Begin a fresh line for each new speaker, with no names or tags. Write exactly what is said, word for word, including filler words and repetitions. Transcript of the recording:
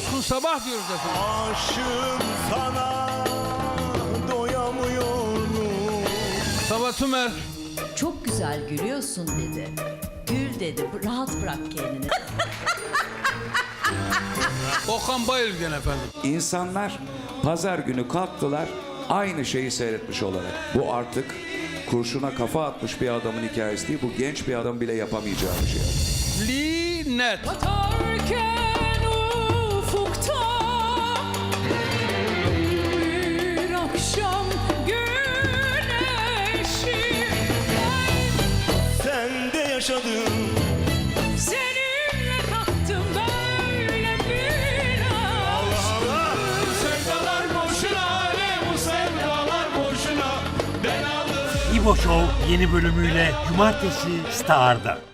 Coşkun Sabah diyoruz efendim.
Aşığım sana doyamıyorum.
Sabah Tümer.
Çok güzel gülüyorsun dedi. Gül dedi, rahat bırak kendini.
Okan Bayülgen efendim.
İnsanlar pazar günü kalktılar aynı şeyi seyretmiş olarak. Bu artık kurşuna kafa atmış bir adamın hikayesi değil. Bu genç bir adam bile yapamayacağı bir şey.
Linet.
Batarken ufukta bir akşam güneşi
Sen de yaşadın.
seninle taktım böyle bir aşk.
Sevdalar boşuna, ne bu sevdalar boşuna. Ben aldım.
İbo Show yeni bölümüyle Cumartesi Star'da.